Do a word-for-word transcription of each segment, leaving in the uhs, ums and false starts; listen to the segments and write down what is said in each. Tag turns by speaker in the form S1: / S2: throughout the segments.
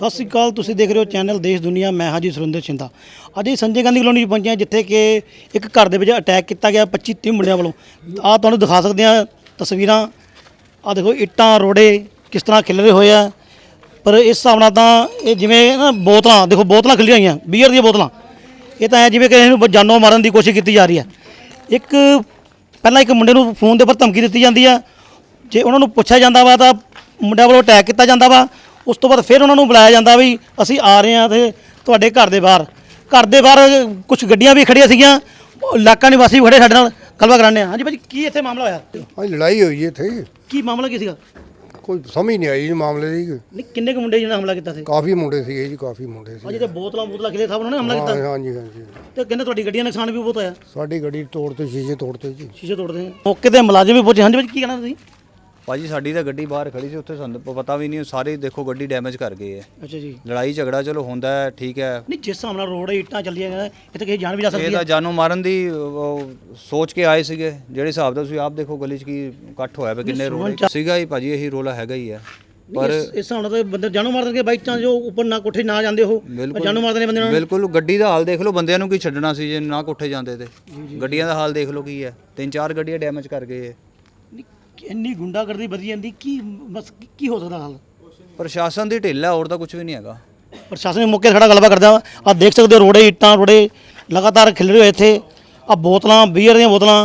S1: ਸਤਿ ਸ਼੍ਰੀ ਅਕਾਲ, ਤੁਸੀਂ ਦੇਖ ਰਹੇ ਹੋ ਚੈਨਲ ਦੇਸ਼ ਦੁਨੀਆ। ਮੈਂ ਹਾਂ ਜੀ ਸੁਰਿੰਦਰ ਸ਼ਿੰਦਾ। ਅੱਜ ਇਹ ਸੰਜੇ ਗਾਂਧੀ ਕਲੋਨੀ 'ਚ ਪਹੁੰਚੇ ਹਾਂ, ਜਿੱਥੇ ਕਿ ਇੱਕ ਘਰ ਦੇ ਵਿੱਚ ਅਟੈਕ ਕੀਤਾ ਗਿਆ ਪੱਚੀ ਤੀਹ ਮੁੰਡਿਆਂ ਵੱਲੋਂ। ਆਹ ਤੁਹਾਨੂੰ ਦਿਖਾ ਸਕਦੇ ਹਾਂ ਤਸਵੀਰਾਂ। ਆਹ ਦੇਖੋ ਇੱਟਾਂ ਰੋੜੇ ਕਿਸ ਤਰ੍ਹਾਂ ਖਿਲਰੇ ਹੋਏ ਆ। ਪਰ ਇਸ ਹਿਸਾਬ ਨਾਲ ਤਾਂ ਇਹ ਜਿਵੇਂ ਨਾ ਬੋਤਲਾਂ, ਦੇਖੋ ਬੋਤਲਾਂ ਖਿਲੀਆਂ ਹੋਈਆਂ ਬੀਅਰ ਦੀਆਂ ਬੋਤਲਾਂ। ਇਹ ਤਾਂ ਐ ਜਿਵੇਂ ਕਿ ਇਹਨੂੰ ਜਾਨੋਂ ਮਾਰਨ ਦੀ ਕੋਸ਼ਿਸ਼ ਕੀਤੀ ਜਾ ਰਹੀ ਹੈ। ਇੱਕ ਪਹਿਲਾਂ ਇੱਕ ਮੁੰਡੇ ਨੂੰ ਫੋਨ ਦੇ ਉੱਪਰ ਧਮਕੀ ਦਿੱਤੀ ਜਾਂਦੀ ਆ, ਜੇ ਉਹਨਾਂ ਨੂੰ ਪੁੱਛਿਆ ਜਾਂਦਾ ਵਾ ਤਾਂ ਮੁੰਡਿਆਂ ਵੱਲੋਂ ਅਟੈਕ ਕੀਤਾ ਜਾਂਦਾ ਵਾ। ਉਸ ਤੋਂ ਬਾਅਦ ਫਿਰ ਉਹਨਾਂ ਨੂੰ ਬੁਲਾਇਆ ਜਾਂਦਾ ਵੀ ਅਸੀਂ ਆ ਰਹੇ ਹਾਂ ਤੇ ਤੁਹਾਡੇ ਘਰ ਦੇ ਬਾਹਰ ਘਰ ਦੇ ਬਾਹਰ ਕੁਝ ਗੱਡੀਆਂ ਵੀ ਖੜੀਆਂ ਸੀਗੀਆਂ, ਇਲਾਕਾ ਨਿਵਾਸੀ ਵੀ ਖੜੇ ਸਾਡੇ ਨਾਲ ਗੱਲਬਾਤ ਕਰਾਉਂਦੇ ਹਾਂ। ਹਾਂਜੀ ਭਾਜੀ, ਕੀ ਇੱਥੇ ਮਾਮਲਾ ਹੋਇਆ?
S2: ਹਾਂ, ਲੜਾਈ ਹੋਈ ਇੱਥੇ।
S1: ਕੀ ਮਾਮਲਾ ਕੀ ਸੀਗਾ?
S2: ਕੋਈ ਸਮਝ ਨਹੀਂ ਆਈ ਜੀ ਮਾਮਲੇ ਦੀ।
S1: ਨਹੀਂ, ਕਿੰਨੇ ਕੁ ਮੁੰਡੇ ਜਿਹਨਾਂ ਹਮਲਾ ਕੀਤਾ ਸੀ?
S2: ਕਾਫੀ ਮੁੰਡੇ ਸੀਗੇ ਜੀ, ਕਾਫੀ ਮੁੰਡੇ ਸੀ।
S1: ਅਜੇ ਤੇ ਬੋਤਲਾਂ ਬੋਤਲਾਂ ਖਿਲੇ ਸਭ ਉਹਨਾਂ ਨੇ ਹਮਲਾ ਕੀਤਾ।
S2: ਹਾਂ ਹਾਂਜੀ ਹਾਂਜੀ।
S1: ਤੇ ਕਹਿੰਦੇ ਤੁਹਾਡੀ ਗੱਡੀਆਂ ਨੁਕਸਾਨ ਵੀ ਬਹੁਤ ਹੋਇਆ।
S2: ਸਾਡੀ ਗੱਡੀ ਤੋੜਤੇ, ਸ਼ੀਸ਼ੇ ਤੋੜਤੇ ਜੀ।
S1: ਸ਼ੀਸ਼ੇ ਤੋੜਦੇ ਆ। ਮੌਕੇ ਤੇ ਮੁਲਾਜ਼ਮ ਵੀ ਪਹੁੰਚੇ। ਹਾਂਜੀ ਭਾਜੀ, ਕੀ ਕਹਿਣਾ ਤੁਸੀਂ?
S3: ਭਾਜੀ ਸਾਡੀ ਤਾਂ ਗੱਡੀ ਬਾਹਰ ਖੜੀ ਸੀ, ਉੱਥੇ ਸਾਨੂੰ ਪਤਾ ਵੀ ਨਹੀਂ, ਸਾਰੇ ਦੇਖੋ ਗੱਡੀ ਡੈਮੇਜ ਕਰ ਗਏ ਹੈ।
S1: ਅੱਛਾ ਜੀ।
S3: ਲੜਾਈ ਝਗੜਾ ਚਲੋ ਹੁੰਦਾ ਹੈ, ਠੀਕ ਹੈ।
S1: ਨਹੀਂ, ਜਿਸ ਹਿਸਾਬ ਨਾਲ ਰੋਡ ਇੱਟਾਂ ਚੱਲੀਆਂ ਗਈਆਂ, ਇਹ ਤਾਂ ਕਿਸੇ ਜਾਨ ਵੀ ਜਾ ਸਕਦੀ
S3: ਇਹ
S1: ਹੈ।
S3: ਤਾਂ ਜਾਨੋਂ ਮਾਰਨ ਦੀ ਉਹ, ਸੋਚ ਕੇ ਆਏ ਸੀਗੇ। ਜਿਹੜੇ ਹਿਸਾਬ ਦਾ ਤੁਸੀਂ ਆਪ ਦੇਖੋ ਗਲੀ 'ਚ ਕੀ ਇਕੱਠ ਹੋਇਆ ਪਿਆ, ਕਿੰਨੇ ਰੋਡ ਸੀਗਾ ਹੀ ਭਾਜੀ। ਇਹੀ ਰੋਲਾ ਹੈਗਾ ਹੀ ਹੈ।
S1: ਪਰ ਇਸ ਹਿਸਾਬ ਨਾਲ ਤਾਂ ਬੰਦੇ ਜਾਨੋਂ ਮਾਰ ਦੇਣਗੇ। ਬਾਈ ਚਾਂਸ ਜੋ ਉੱਪਰ ਨਾ ਕੋਠੇ ਨਾ ਜਾਂਦੇ ਉਹ ਜਾਨੋਂ ਮਾਰ ਦੇਣੇ ਬੰਦੇ ਨੂੰ।
S3: ਬਿਲਕੁਲ। ਗੱਡੀ ਦਾ ਹਾਲ ਦੇਖ ਲਓ, ਬੰਦਿਆਂ ਨੂੰ ਕੀ ਛੱਡਣਾ ਸੀ ਜੇ ਨਾ ਕੋਠੇ ਜਾਂਦੇ ਤੇ। ਗੱਡੀਆਂ ਦਾ ਹਾਲ ਦੇਖ ਲਓ ਕੀ ਹੈ। ਤਿੰਨ ਚਾਰ ਗੱਡੀਆਂ ਡੈਮੇਜ ਕਰ ਗਏ ਹੈ।
S1: ਇੰਨੀ ਗੁੰਡਾਗਰਦੀ ਵਧੀ ਜਾਂਦੀ, ਕੀ ਬਸ ਕੀ ਹੋ ਸਕਦਾ ਹਾਲ?
S3: ਪ੍ਰਸ਼ਾਸਨ ਦੀ ਢਿੱਲ ਹੈ, ਹੋਰ ਤਾਂ ਕੁਝ ਵੀ ਨਹੀਂ ਹੈਗਾ।
S1: ਪ੍ਰਸ਼ਾਸਨ ਦੇ ਮੌਕੇ ਖੜਾ ਗੱਲਬਾਤ ਕਰਦਾ। ਆਹ ਦੇਖ ਸਕਦੇ ਹੋ ਰੋੜੇ ਇੱਟਾਂ ਰੋੜੇ ਲਗਾਤਾਰ ਖਿਲ ਰਹੇ ਹੋਏ ਇੱਥੇ। ਆਹ ਬੋਤਲਾਂ ਬੀਅਰ ਦੀਆਂ ਬੋਤਲਾਂ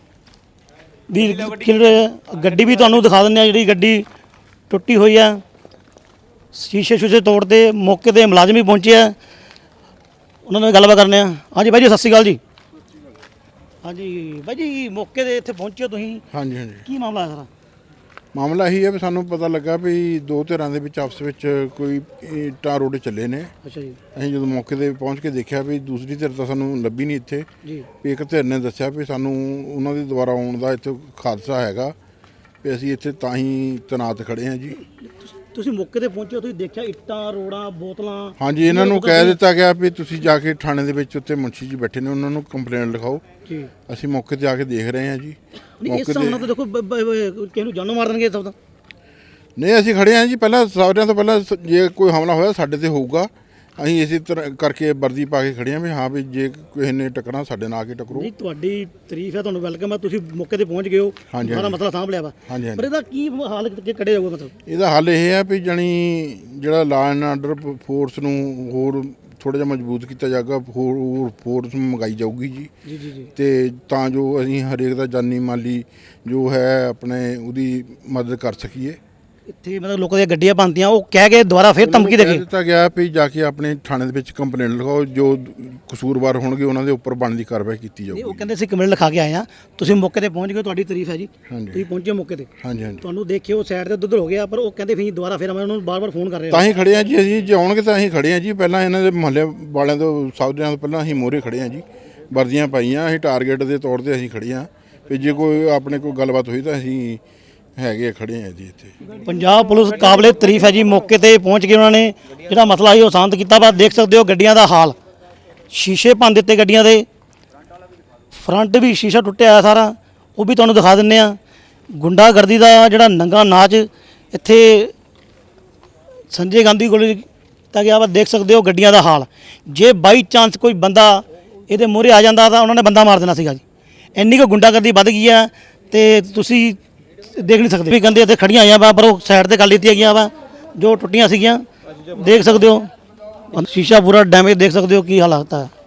S1: ਵੀ ਖਿਲ ਰਹੇ। ਗੱਡੀ ਵੀ ਤੁਹਾਨੂੰ ਦਿਖਾ ਦਿੰਦੇ ਆ, ਜਿਹੜੀ ਗੱਡੀ ਟੁੱਟੀ ਹੋਈ ਆ। ਸ਼ੀਸ਼ੇ ਸ਼ੂਸ਼ੇ ਤੋੜਦੇ। ਮੌਕੇ ਤੇ ਮੁਲਾਜ਼ਮ ਵੀ ਪਹੁੰਚੇ ਆ, ਉਹਨਾਂ ਨਾਲ ਗੱਲਬਾਤ ਕਰਨੇ ਆ। ਹਾਂਜੀ ਬਾਈ ਜੀ, ਸਤਿ ਸ਼੍ਰੀ ਅਕਾਲ ਜੀ। ਹਾਂਜੀ ਬਾਈ ਜੀ, ਮੌਕੇ ਤੇ ਇੱਥੇ ਪਹੁੰਚੇ ਤੁਸੀਂ।
S4: ਹਾਂਜੀ ਹਾਂਜੀ।
S1: ਕੀ ਮਾਮਲਾ ਹੈ ਸਾਰਾ?
S4: ਮਾਮਲਾ ਇਹੀ ਹੈ ਵੀ ਸਾਨੂੰ ਪਤਾ ਲੱਗਾ ਵੀ ਦੋ ਧਿਰਾਂ ਦੇ ਵਿੱਚ ਆਪਸ ਵਿੱਚ ਕੋਈ ਇੱਟਾਂ ਰੋੜੇ ਚੱਲੇ ਨੇ।
S1: ਅੱਛਾ ਜੀ।
S4: ਅਸੀਂ ਜਦੋਂ ਮੌਕੇ ਤੇ ਪਹੁੰਚ ਕੇ ਦੇਖਿਆ ਵੀ ਦੂਸਰੀ ਧਿਰ ਤਾਂ ਸਾਨੂੰ ਲੱਭੀ ਨਹੀਂ ਇੱਥੇ
S1: ਜੀ।
S4: ਵੀ ਇੱਕ ਧਿਰ ਨੇ ਦੱਸਿਆ ਵੀ ਸਾਨੂੰ ਉਹਨਾਂ ਦੇ ਦੁਆਰਾ ਆਉਣ ਦਾ ਇੱਥੇ ਹਾਦਸਾ ਹੈਗਾ ਵੀ ਅਸੀਂ ਇੱਥੇ ਤਾਂ ਹੀ ਤੈਨਾਤ ਖੜੇ ਹਾਂ ਜੀ।
S1: ਤੁਸੀਂ ਮੌਕੇ ਤੇ ਪਹੁੰਚੇ, ਤੁਸੀਂ ਦੇਖਿਆ ਇੱਟਾਂ ਰੋੜਾਂ ਬੋਤਲਾਂ?
S4: ਹਾਂਜੀ, ਇਹਨਾਂ ਨੂੰ ਕਹਿ ਦਿੱਤਾ ਗਿਆ ਵੀ ਤੁਸੀਂ ਜਾ ਕੇ ਥਾਣੇ ਦੇ ਵਿੱਚ ਉੱਤੇ ਮੁਨਸ਼ੀ ਜੀ ਬੈਠੇ ਨੇ, ਉਹਨਾਂ ਨੂੰ ਕੰਪਲੇਂਟ ਲਿਖਾਓ ਜੀ। ਅਸੀਂ ਮੌਕੇ ਤੇ ਆ ਕੇ ਦੇਖ ਰਹੇ ਹਾਂ ਜੀ।
S1: ਮੌਕੇ ਤੇ ਤਾਂ ਦੇਖੋ ਕਿਸੇ ਨੂੰ ਜਾਨੋਂ ਮਾਰ ਦੇਣਗੇ ਸਭ ਦਾ।
S4: ਨਹੀਂ, ਅਸੀਂ ਖੜੇ ਹਾਂ ਜੀ। ਪਹਿਲਾਂ ਸਾਰਿਆਂ ਤੋਂ ਪਹਿਲਾਂ ਜੇ ਕੋਈ ਹਮਲਾ ਹੋਇਆ ਸਾਡੇ ਤੇ ਹੋਊਗਾ, ਅਸੀਂ ਇਸੇ ਤਰ੍ਹਾਂ ਕਰਕੇ ਵਰਦੀ ਪਾ ਕੇ ਖੜੇ ਹਾਂ ਵੀ ਹਾਂ ਵੀ ਜੇ ਕਿਸੇ ਨੇ ਟੱਕਰਾਂ ਸਾਡੇ ਨਾਲ ਆ ਕੇ ਟੱਕਰੋ।
S1: ਨਹੀਂ, ਤੁਹਾਡੀ ਤਾਰੀਫ ਹੈ, ਤੁਹਾਨੂੰ ਵੈਲਕਮ ਹੈ। ਤੁਸੀਂ ਮੌਕੇ ਤੇ ਪਹੁੰਚ ਗਏ ਹੋ, ਸਾਰਾ ਮਸਲਾ ਸਾਂਭ ਲਿਆ ਵਾ। ਪਰ ਇਹਦਾ ਕੀ ਹਾਲ ਕੱਢਿਆ ਜਾਊਗਾ? ਮਤਲਬ ਇਹਦਾ
S4: ਹੱਲ ਇਹ ਹੈ ਵੀ ਜਾਣੀ ਜਿਹੜਾ ਲਾ ਐਂਡ ਆਰਡਰ ਫੋਰਸ ਨੂੰ ਹੋਰ ਥੋੜ੍ਹਾ ਜਿਹਾ ਮਜ਼ਬੂਤ ਕੀਤਾ ਜਾਊਗਾ, ਹੋਰ ਫੋਰਸ ਮੰਗਾਈ ਜਾਊਗੀ ਜੀ।
S1: ਜੀ ਜੀ ਜੀ।
S4: ਤੇ ਤਾਂ ਜੋ ਅਸੀਂ ਹਰੇਕ ਦਾ ਜਾਨੀ ਮਾਲੀ ਜੋ ਹੈ ਆਪਣੇ ਉਹਦੀ ਮਦਦ ਕਰ ਸਕੀਏ।
S1: ਇੱਥੇ ਮਤਲਬ ਲੋਕਾਂ ਦੀਆਂ ਗੱਡੀਆਂ ਬਣਦੀਆਂ, ਉਹ ਕਹਿ ਕੇ ਦੁਬਾਰਾ ਫਿਰ ਧਮਕੀ ਦੇ ਕੇ
S4: ਦਿੱਤਾ ਗਿਆ ਵੀ ਜਾ ਕੇ ਆਪਣੇ ਥਾਣੇ ਦੇ ਵਿੱਚ ਕੰਪਲੇਂਟ ਲਿਖਾਓ, ਜੋ ਕਸੂਰਵਾਰ ਹੋਣਗੇ ਉਹਨਾਂ ਦੇ ਉੱਪਰ ਬਣਦੀ ਕਾਰਵਾਈ ਕੀਤੀ ਜਾਊਗੀ।
S1: ਉਹ ਕਹਿੰਦੇ ਅਸੀਂ ਕੰਪਲੇਂਟ ਲਿਖਾ ਕੇ ਆਏ ਆ। ਤੁਸੀਂ ਮੌਕੇ ਤੇ ਪਹੁੰਚ ਗਏ, ਤੁਹਾਡੀ ਤਾਰੀਫ ਹੈ ਜੀ। ਤੁਸੀਂ ਪਹੁੰਚੇ ਮੌਕੇ ਤੇ।
S4: ਹਾਂਜੀ ਹਾਂਜੀ।
S1: ਤੁਹਾਨੂੰ ਦੇਖਿਓ ਸਾਈਡ ਤੇ ਦੁੱਧ ਹੋ ਗਿਆ, ਪਰ ਉਹ ਕਹਿੰਦੇ ਫਿਰ ਦੁਬਾਰਾ ਫਿਰ ਮੈਂ ਉਹਨਾਂ ਨੂੰ ਬਾਰ-ਬਾਰ ਫੋਨ ਕਰ ਰਿਹਾ।
S4: ਤਾਂ ਹੀ ਖੜੇ ਆ ਜੀ ਅਸੀਂ, ਜੇ ਆਉਣਗੇ ਤਾਂ ਅਸੀਂ ਖੜੇ ਆ ਜੀ। ਪਹਿਲਾਂ ਇਹਨਾਂ ਦੇ ਮੁਹੱਲੇ ਵਾਲਿਆਂ ਤੋਂ ਸਾਧਿਆਂ ਤੋਂ ਪਹਿਲਾਂ ਅਸੀਂ ਮੋਹਰੇ ਖੜੇ ਆ ਜੀ, ਵਰਦੀਆਂ ਪਾਈਆਂ। ਅਸੀਂ ਟਾਰਗੇਟ ਦੇ ਤੌਰ ਤੇ ਅਸੀਂ ਖੜੇ ਆ ਵੀ ਜੇ ਕੋਈ ਆਪਣੇ ਕੋਈ ਗੱਲਬਾਤ ਹੋਈ ਤਾਂ ਅਸੀਂ ਹੈਗੇ ਖੜੇ ਆ ਜੀ ਇੱਥੇ।
S1: ਪੰਜਾਬ ਪੁਲਿਸ ਕਾਬਲੇ ਤਾਰੀਫ ਹੈ ਜੀ, ਮੌਕੇ ਤੇ ਪਹੁੰਚ ਕੇ ਉਹਨਾਂ ਨੇ ਜਿਹੜਾ ਮਸਲਾ ਸੀ ਉਹ ਸ਼ਾਂਤ ਕੀਤਾ। ਵਾ ਦੇਖ ਸਕਦੇ ਹੋ ਗੱਡੀਆਂ ਦਾ ਹਾਲ, ਸ਼ੀਸ਼ੇ ਭੰਨ ਦਿੱਤੇ ਗੱਡੀਆਂ ਦੇ, ਫਰੰਟ ਵੀ ਸ਼ੀਸ਼ਾ ਟੁੱਟਿਆ ਹੋਇਆ ਸਾਰਾ, ਉਹ ਵੀ ਤੁਹਾਨੂੰ ਦਿਖਾ ਦਿੰਦੇ ਆ। ਗੁੰਡਾਗਰਦੀ ਦਾ ਜਿਹੜਾ ਨੰਗਾ ਨਾਚ ਇੱਥੇ ਸੰਜੇ ਗਾਂਧੀ ਕੋਲ ਕੀਤਾ ਗਿਆ ਵਾ। ਦੇਖ ਸਕਦੇ ਹੋ ਗੱਡੀਆਂ ਦਾ ਹਾਲ। ਜੇ ਬਾਈ ਚਾਂਸ ਕੋਈ ਬੰਦਾ ਇਹਦੇ ਮੂਹਰੇ ਆ ਜਾਂਦਾ ਤਾਂ ਉਹਨਾਂ ਨੇ ਬੰਦਾ ਮਾਰ ਦੇਣਾ ਸੀਗਾ ਜੀ। ਇੰਨੀ ਕੁ ਗੁੰਡਾਗਰਦੀ ਵੱਧ ਗਈ ਆ ਤੇ ਤੁਸੀਂ ਦੇਖ ਨਹੀਂ ਸਕਦੇ। ਵੀ ਕਹਿੰਦੇ ਇੱਥੇ ਖੜੀਆਂ ਆਈਆਂ ਵਾ, ਪਰ ਉਹ ਸਾਈਡ ਤੇ ਕਰ ਲਿੱਤੀਆਂ ਗਈਆਂ ਵਾ ਜੋ ਟੁੱਟੀਆਂ ਸੀਗੀਆਂ। ਦੇਖ ਸਕਦੇ ਹੋ ਸ਼ੀਸ਼ਾ ਪੂਰਾ ਡੈਮੇਜ, ਦੇਖ ਸਕਦੇ ਹੋ ਕੀ ਹਾਲਾਤ ਹੈ।